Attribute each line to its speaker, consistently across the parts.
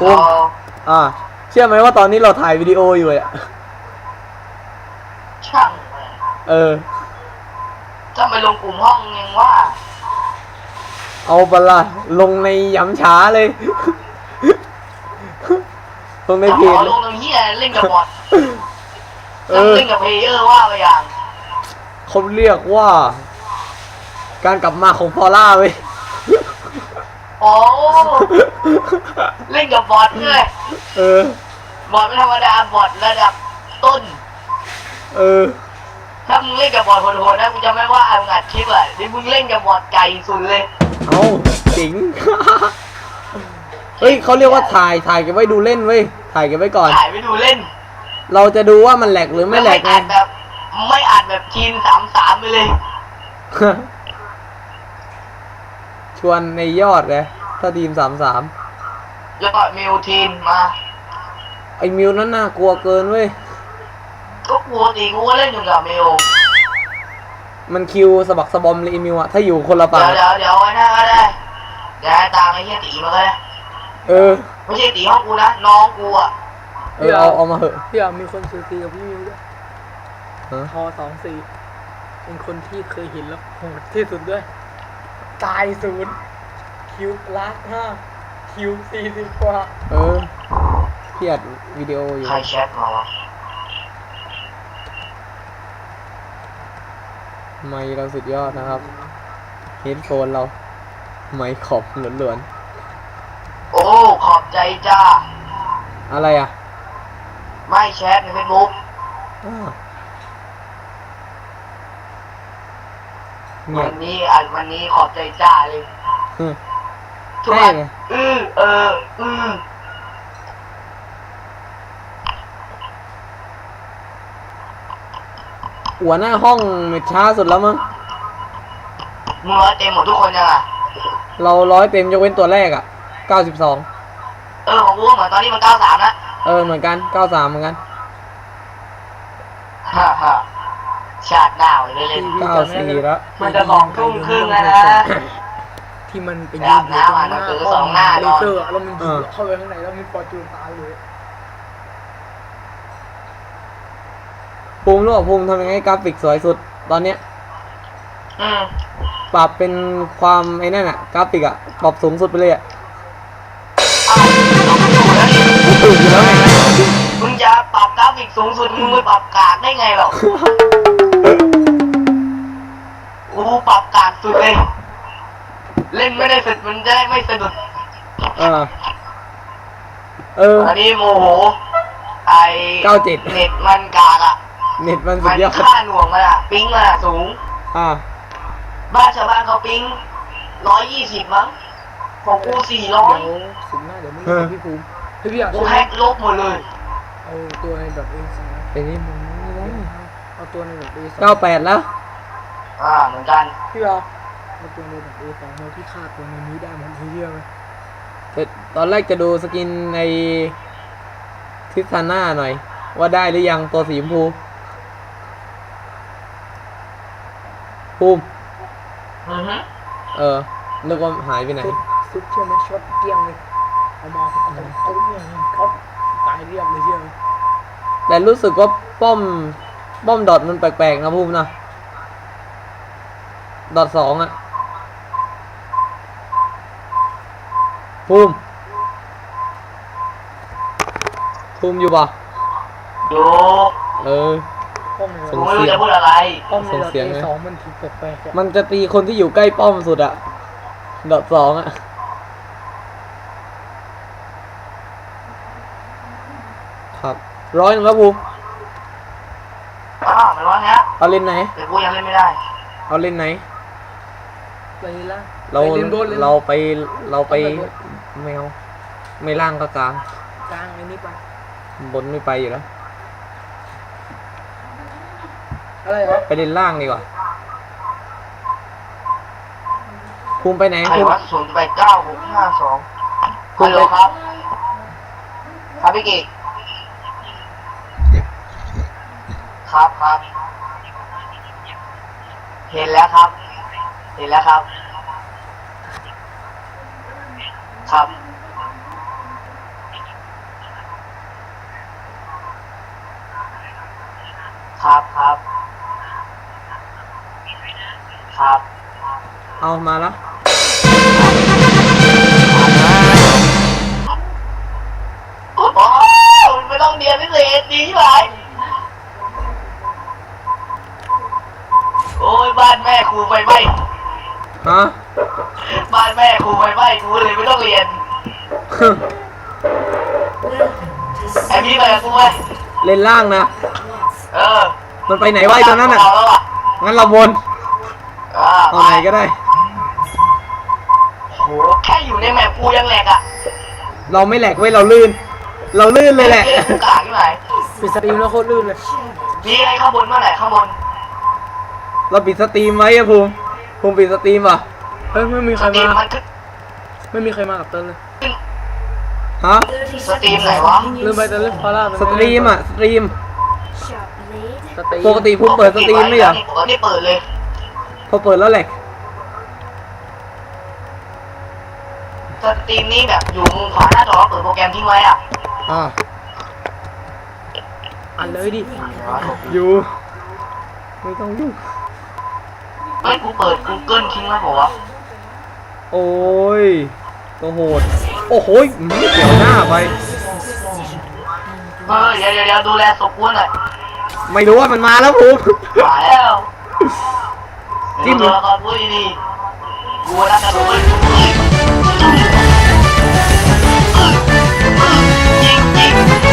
Speaker 1: ภูมิเชื่อไหมว่าตอนนี้เราถ่ายวิดีโออยู่อ่ะ
Speaker 2: ช่างจะไปลงกลุ่มห้องยังว่า
Speaker 1: เอาปะล่ะลงในย้ำช้าเลยลงในเพจ
Speaker 2: ลงตรงนี้เล่นกับบอทเล่นกับเพลเยอร์ว่าไปอย่าง
Speaker 1: เขาเรียกว่าการกลับมาของพอล่าเว้ย
Speaker 2: โอ้เล่นกับบอทเลยบอทไม่ธรรมดาบอทระดับต้นถ้ามึงเล่นกับบอทโหดๆนะกูจะไม่ว่ามึงอัดคลิปอ่ะนี่มึงเล่นกับบอทไก่สุดเลย
Speaker 1: เอาจริงเฮ้ยเขาเรียกว่าถ่ายเก็บไว้ดูเล่นเว้ยถ่ายเก็บไว้ก่อน
Speaker 2: ถ่ายไว้ดูเล่น
Speaker 1: เราจะดูว่ามันแหลกหรือไม่แหลกไง
Speaker 2: ไม่อ่านแบบทีม3-3ไปเลย
Speaker 1: ชวนในยอดเลยถ้าทีม3-3
Speaker 2: ยอดมิวทีมมา
Speaker 1: ไอ้มิวนั้นน่ากลัวเกินเว้ย
Speaker 2: ก็กลัวดีกูก็เล่นอยู่กับมิว
Speaker 1: มันคิวสะบักสะบอมเลยมิวอะถ้าอยู่คนละฝั่ง
Speaker 2: เดี๋ยวไว้หน้าก็ได้เดี๋ยวตามไอ้เหี้ยตีมาเลยไม่ใช่ตีห้องกูนะน้องกูอ่ะ
Speaker 1: เอามาเหอะ
Speaker 3: พี่มีคนซื้อตีกับพี่มิวด้วยทอ24เป็นคนที่เคยเห็นแล้วโหดที่สุดด้วยตาย0คิว1,500,000คิว40 กว่า
Speaker 1: พี่อัดวิดีโออยู่
Speaker 2: ใครแชทมาวะ
Speaker 1: ไมค์เราสุดยอดนะครับเฮดโฟนเราไมค์ขอบหลวน
Speaker 2: ๆโอ้ขอบใจจ้า
Speaker 1: อะไรอ่ะ
Speaker 2: ไม่แชทในเฟซบุ๊กวันนี้ขอบใจจ้าเลยทุกคน
Speaker 1: หัวหน้าห้องเม็ดช้าสุดแล้วมั้ง
Speaker 2: มึง100 เต็มหมดทุกคนยังอ่ะ
Speaker 1: เรา100 เต็มยกเว้นตัวแรกอ่ะ92
Speaker 2: ของกูเหมือนตอนนี้มัน93นะ
Speaker 1: เหมือนกัน93เหมือนกัน
Speaker 2: ฮ่าชาติหน้าเลยเล่น
Speaker 1: 94แล้ว
Speaker 2: มันจะ2 ทุ่มครึ่งแล้วนะ
Speaker 3: ที่มันเป็นยืนอยู่ตรงหน้าเลเซอร์แล้วมันยิงเข้าไปข้างในแล้วมันฟอร์จูนตายเลย
Speaker 1: ภูมิรู้ป่ะภูมิทำยังไงกราฟิกสวยสุดตอนเนี้ยปรับเป็นความไอ้นั่นอะกราฟิกอะปรับสูงสุดไปเลยอะ
Speaker 2: ตื่นอยู่แล้วไงมึงจะปรับกราฟิกสูงสุดมึงไม่ปรับกากได้ไงหรอกูปรับกากสุดเลยเล่นไม่ได้สุดมันจะได้ไม่สะดุดอันนี้โมโหไอ้
Speaker 1: 97
Speaker 2: เน็ตมันกากอะ
Speaker 1: เน็ตมันสุดยอด
Speaker 2: ค่าหน่วงมันอะปิ๊งมันอะสูงบ้านชาวบ้านเขาปิ๊ง120มั้งของกู400
Speaker 3: สุดหน้าเดี๋ยวมึงพี่ภูมิ
Speaker 2: กูแฮกลบหมดเลย
Speaker 3: เอาตัวในแบบA2
Speaker 1: ไปนี่มึง
Speaker 3: เอาตัวในแบบA2
Speaker 1: 98แล้ว
Speaker 2: เหมือนกัน
Speaker 3: พี่เอาตัวในแบบA2มาพี่ฆ่าตัวในนี้ได้หมดทีเดียวเลย
Speaker 1: ตอนแรกจะดูสกินในทิศหน้าหน่อยว่าได้หรือยังตัวสีชมพูภูมินึกว่าหายไปไหน
Speaker 3: ซุปเชื่อไหมช็อตเกี้ยงเลยเอามาเขาตายเรียบเลยเชื่อ
Speaker 1: แต่รู้สึกว่าป้อมดอทมันแปลกๆนะภูมินะดอท2อะภูมิอยู่ป่ะ
Speaker 2: อยู่
Speaker 1: ส่งเสียง
Speaker 2: จะพูดอะไร
Speaker 1: ส่งเสียง
Speaker 3: 2มันถูกแปลกๆ
Speaker 1: มันจะตีคนที่อยู่ใกล้ป้อมสุดอะดอท2อะครับ100แล้วภูมิ
Speaker 2: ไม่ร้อนฮะ
Speaker 1: เอาเล่นไหน
Speaker 2: แต่กูยังเล่นไม่ได้
Speaker 1: เอาเล่นไหน
Speaker 3: ไปละ
Speaker 1: เราไปไม่เอาไม่ล่างก็กลาง
Speaker 3: ไอ้นี่ไป
Speaker 1: บนไม่ไปอยู่แล้ว
Speaker 3: อะไรเหรอ
Speaker 1: ไปเล่นล่างดีกว่าภูมิไปไหน
Speaker 2: ภูมิ089-652ฮัลโหลครับพี่กิกครับเห็นแล้วครับครับ
Speaker 1: เอามาละ
Speaker 2: โอ้ไม่ต้องเรียนพิเศษดีไหมโอ้ยบ้านแม่ครูไฟไหม้
Speaker 1: ฮะ
Speaker 2: บ้านแม่ครูไฟไหม้กูเลยไม่ต้องเรียนไอ้พี่ไปกับกูไหม
Speaker 1: เล่นล่างนะ
Speaker 2: เออ
Speaker 1: มันไปไหนวะไอ้ตัวนั้นน่ะ
Speaker 2: เอาแล้วอ่ะ
Speaker 1: งั้นเราวน เอาไหนก็ได้
Speaker 2: โหแค่อยู่ในแมปกูยังแหลกอ่ะ
Speaker 1: เราไม่แหลกเว้ยเราลื่น เราลื่นเลยแหละ
Speaker 2: กูกากที่ไหน
Speaker 3: ปิดสตรีมแล้วโคตรลื่นเลย
Speaker 2: มีอะไรข้างบนเมื่อไหร่ข้างบน
Speaker 1: เราปิดสตรีมไว้อะภูมิปิดสตรีมอ่ะ
Speaker 3: เฮ้ยไม่มีใค
Speaker 2: ส
Speaker 3: ร
Speaker 2: ตรีม
Speaker 3: มา
Speaker 2: มันขึ้น
Speaker 3: ไม่มีใครมากับเต้นเลย
Speaker 1: ฮะ
Speaker 2: สตรีมไหนวะ
Speaker 3: ลืมไปเต้นเล่นพาร่า
Speaker 1: สตรีมอ่ะ สตรีม
Speaker 3: สตรีม
Speaker 1: ปกติภูมิเปิดสตรีมไม่เหรอ
Speaker 2: ปกติเปิดเลย
Speaker 1: พอเปิดแล้วแหลก
Speaker 2: สตรีมนี่แบบอยู่มุมขวาหน้าจอเปิดโปรแกรมทิ้งไว้อ่ะ
Speaker 1: อ่า
Speaker 3: อ่านเลยดิ
Speaker 1: อยู่ ไม่ต้องยุ่ง
Speaker 2: เฮ้ยกูเปิด Google ทิ้งไว้บอกว่า
Speaker 1: โอ้ยตัวโหด โอ้โหเกี่ยวหน้าไป
Speaker 2: เฮ้ยเดี๋ยวดูแลศพกูหน่อย
Speaker 1: ไม่รู้ว่ามันมาแล้วภูมิ
Speaker 2: มาแล้ว
Speaker 1: จิ้ม
Speaker 2: ดูตัวละครพูดดีๆกูรักกันเลยยิงแดง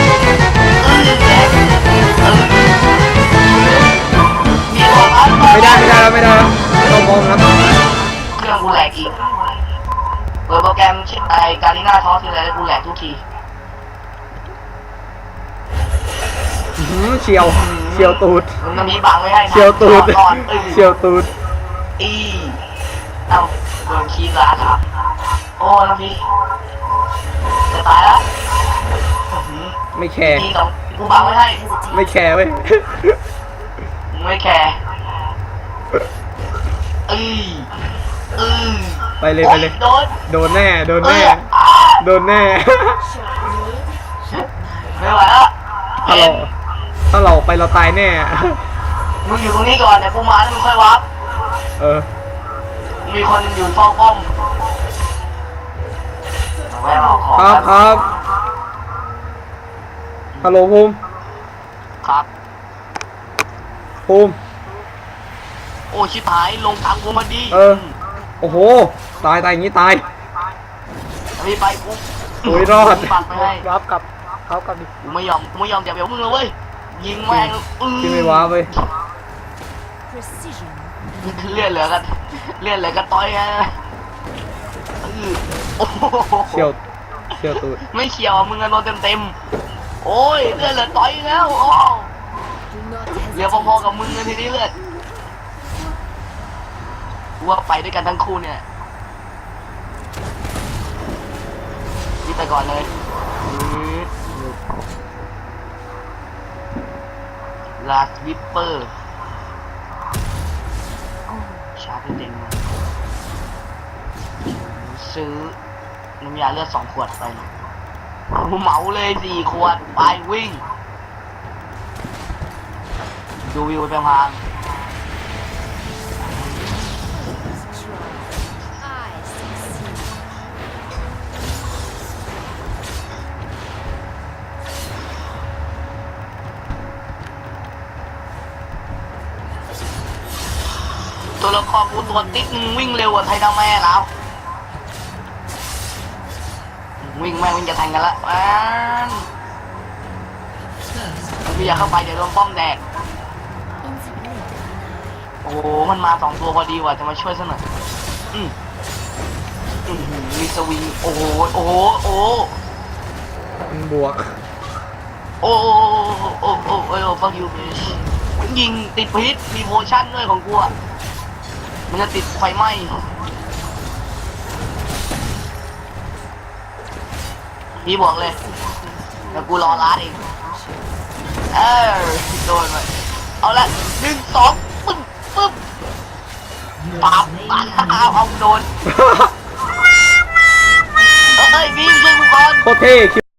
Speaker 2: มีตัวพัน
Speaker 1: ไม่ได้แล้วต้องมองครับ
Speaker 2: เครื่องกูแหลกอีกเปิดโปรแกรมชื่อไอการีน่าทอสทีไรกูแหลกทุกที
Speaker 1: เฉียวตูด
Speaker 2: มันจะมีบังไว้ให้นะ
Speaker 1: เฉียวตูด
Speaker 2: ก่อน
Speaker 1: เฉียวตูด
Speaker 2: อีเอ้าโดนคีย์ร้านครับโอ้น้องพี่จะตายแล้ว
Speaker 1: ไม่แคร์
Speaker 2: ทีสองกูบังไว้ให้
Speaker 1: ไม่แคร์เว้ย
Speaker 2: ไม่แคร์อือ
Speaker 1: ไปเลย
Speaker 2: โดน
Speaker 1: โดนแน่ โดนแน่ โดนแน่
Speaker 2: ไม่ไหวแล้ว
Speaker 1: ถ้าเราไปเราตายแน่
Speaker 2: มึงอยู่ตรงนี้ก่อนเดี๋ยวกูมาแล้วมึงค่อยวับ
Speaker 1: เออ
Speaker 2: มีคนอยู่เฝ้าป้อมแม่เอาของ
Speaker 1: ครับฮัลโหลภูมิ
Speaker 2: ครับ
Speaker 1: ภูมิ
Speaker 2: โอ้ชิบหายลงทางกูมาดี
Speaker 1: เออ โอ้โห ตายอย่างนี้ตาย
Speaker 2: มีไปกู
Speaker 1: โอ้ยรอด
Speaker 2: ปักไปให้
Speaker 3: วับกับเขากับดิ
Speaker 2: กูไม่ยอมจับเดี๋ยวมึงเลยเว้ยยิงแม่ง
Speaker 1: ที่ไม่ว้าเว้ย
Speaker 2: เลื่อนเหลือกันต้อยฮะโอ้โห
Speaker 1: เฉียวตูด
Speaker 2: ไม่เฉียวมึงอะโดนเต็มโอ้ยเลื่อนเหลือต้อยแล้วโอ้เหลือพอๆกับมึงเลยทีนี้เลยกูว่าไปด้วยกันทั้งคู่เนี่ยนี่ไปก่อนเลยลาสวิปเปอร์ชาร์จเต็มเลยซื้อน้ำยาเลือด2 ขวดไปเหมาเลย4 ขวดไปวิ่งดูวิวไปพางตัวละครกูตัวติ๊กวิ่งเร็วกว่าไทยดาวแม่แล้ววิ่งจะแทงกันละไม่อยากเข้าไปเดี๋ยวโดนป้อมแดกโอ้มันมา2 ตัวพอดีว่ะจะมาช่วยซะหน่อยมีสวิงโอ้โห
Speaker 1: มันบวก
Speaker 2: โอ้ฟังยูบิชยิงติดพิษมีโพชั่นด้วยของกูอ่ะมันจะติดไฟไหม้พี่บอกเลยแล้วกูรอร้านเองโดนไปเอาละ1 2ปึ๊บปั๊บเอาโดนเฮ้ยวิ่งช่วยกูก่อน
Speaker 1: โคตรเท่